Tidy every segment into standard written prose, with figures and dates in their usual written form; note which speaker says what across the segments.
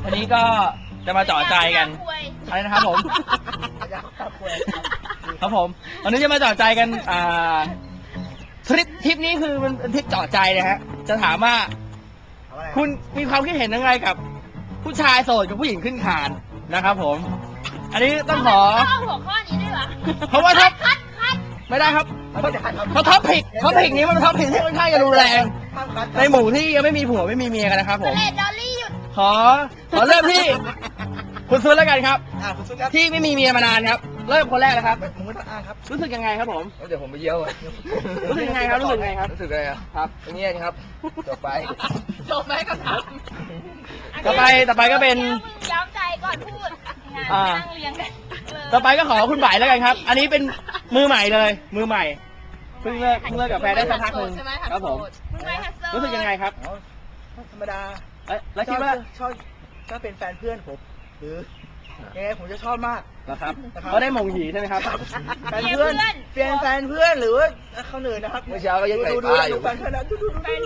Speaker 1: วันนี้ก็จะมาเจาะใจกันอะไรนะครับผมครับผมวันนี้จะมาเจาะใจกันทริปนี้คือมันเป็นทริปเจาะใจนะฮะจะถามว่าคุณมีความคิดเห็นยังไงกับผู้ชายโสดกับผู้หญิงขึ้นคานนะครับผมอันนี้ต้องขอ
Speaker 2: หัวข้อนี้ด้วยเหรอ
Speaker 1: เพราะว่าถ้าไม่ได้ครับเพราะท็อปพิกนี้มันท็อปพิกที่ค่อนข้างจะรุนแรงในหมู่ที่ยังไม่มีผัวไม่มีเมียกันนะครับผม
Speaker 2: ดอลลี่หยุด
Speaker 1: ขอเริ่มที่คุณซุนแล้วกันครับที่ไม่มีเมียมานานครับเริ่มคนแรกเลยครับ
Speaker 3: ผมไม่ต้องอ้างครับ
Speaker 1: รู้สึกยังไงครับผม
Speaker 3: เดี๋ยวผมไปเยี่ยว
Speaker 1: รู้สึกยังไงครับรู้สึกยังไงครับ
Speaker 3: รู้สึกอะไรครับอย่างเงี้ยครับต่อไป
Speaker 2: ก็ถาม
Speaker 1: ต่อไปก็เป็น
Speaker 2: ย้อมใจก่อนพูดนั่งเรียงกัน
Speaker 1: ต่อไปก็ขอคุณบ่ายแล้วกันครับอันนี้เป็นมือใหม่เลยมือใหม่เพิ่งเลิกกับแฟนได้สักพักนึงครับผมรู้สึกยังไงครับ
Speaker 3: ธรรมดา
Speaker 1: แล้วคิดว่า
Speaker 3: ชอบถ้าเป็นแฟนเพื่อนผมหรือยังไงผมจะชอบมาก
Speaker 1: นะครับก็ได้มงหีใช่ไหมครับ
Speaker 3: แฟนเพื่อนเปลี่ยนแฟนเพื่อนหรือว่าเขาเหนื่อยนะครับ
Speaker 1: เมื่อเช้าก็ยังไง
Speaker 3: ดูอยู่แฟนเพื่อน
Speaker 2: หัวเพื่อน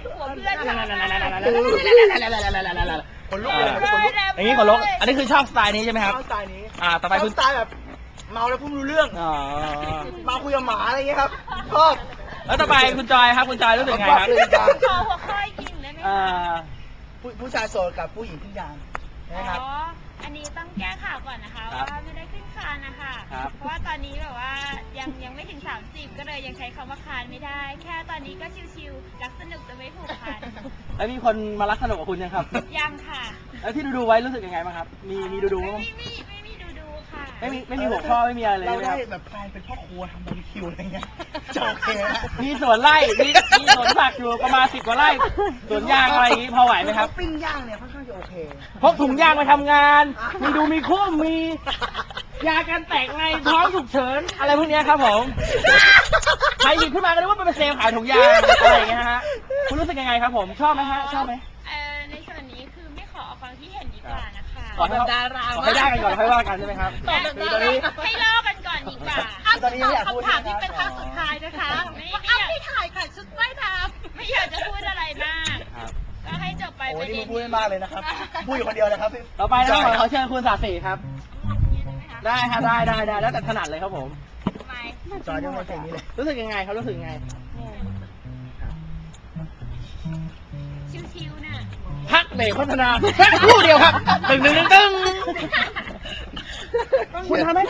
Speaker 3: คนลุกเลย
Speaker 1: อย่างนี้คนลุกอันนี้คือชอบสไตล์นี้ใช่ไหมครับ
Speaker 3: ชอบสไตล์นี้
Speaker 1: ต่อไปคุณ
Speaker 3: สไตล์แบบเมาแล้วพูดรู้เรื่องเมาคุยกับหมาอะไรเงี้ยครับชอบ
Speaker 1: แล้วต่อไปคุณจอยครับคุณจอยรู้สึกไงครับ
Speaker 2: ขอหัวข้อจริงได้ไหม
Speaker 3: ผู้ชายโสดกับผู้หญิงขึ้นยานนะครับ
Speaker 2: อันนี้ต้องแก้ข่าวก่อนนะคะว่าไม่ได้ขึ้นคานนะคะเพราะว่าตอนนี้แบบว่ายังไม่ถึง30ก็เลยยังใช้คำว่าคานไม่ได้แค่ตอนนี้ก็ชิวๆรักสนุกจะไม่ผูกพัน
Speaker 1: แล้วมีคนมารักสนุกกับคุณยังครับ
Speaker 2: ยังค่ะ
Speaker 1: แล้วที่ดูไว้รู้สึกยังไงบ้างครับมีดู
Speaker 2: ไม่มีดูค่ะ
Speaker 1: ไม่มีหัวข้อไม่มีอะไรเลย
Speaker 3: เราได้แบบแฟนเป็นพ่อครัวทำบาร์บีคิวอะไรเงี้ยโอเค
Speaker 1: มีสวนไร่มีสวนผักอยู่ประมาณ10 กว่าไร่สวนยางอะไรอย่างนี้พอไหวไหมครับ
Speaker 3: ปิ้งย่างเนี่ยค่อนข้างจะโอเค
Speaker 1: พกถุงยางไปทำงานมีคุ้มมียากันแตกในท้องฉุกเฉินอะไรพวกนี้ครับผมใครหยิบขึ้นมาก็นึกว่าเป็นเซลล์ขายถุงยางอะไรอย่างเงี้ยฮะคุณรู้สึกยังไงครับผมชอบไหมฮะชอบไหม
Speaker 2: ในส่วนนี้คือไม่ขอเอาความคิดเห็นดีกว่านะคะ
Speaker 1: ขอแบบดาราขอให้ได้กันก่อนค่อยว่ากันใช่ไหมครับ
Speaker 2: ตอนนี้ให้เล่ากันก่อนดีกว่า
Speaker 3: ตอนนี้อยากพูด
Speaker 2: คำถามที่เป็นครั้งสุดท้ายนะคะไม่อยากถ่ายค่ะชุดว่ายน้ำไม่อยากจะพูดอะไรมากก็ให้จบไป
Speaker 3: โอ้ยนี่พูดไม่มากเลยนะครับพูดอยู่คนเดียวเลยครับ
Speaker 1: ต่อไปต้องขอเชิญคุณศาสีครับได้ครับได้แล้วแต่ถนัดเลยครับผม
Speaker 3: จอยยังไม่เพลงนี้เลย
Speaker 1: รู้สึกยังไงครับรู้สึกยังไง
Speaker 2: ชิวๆน่ะ
Speaker 1: พักเบรกโฆษณาแค่ครู่เดียวครับตึงคุณทำให้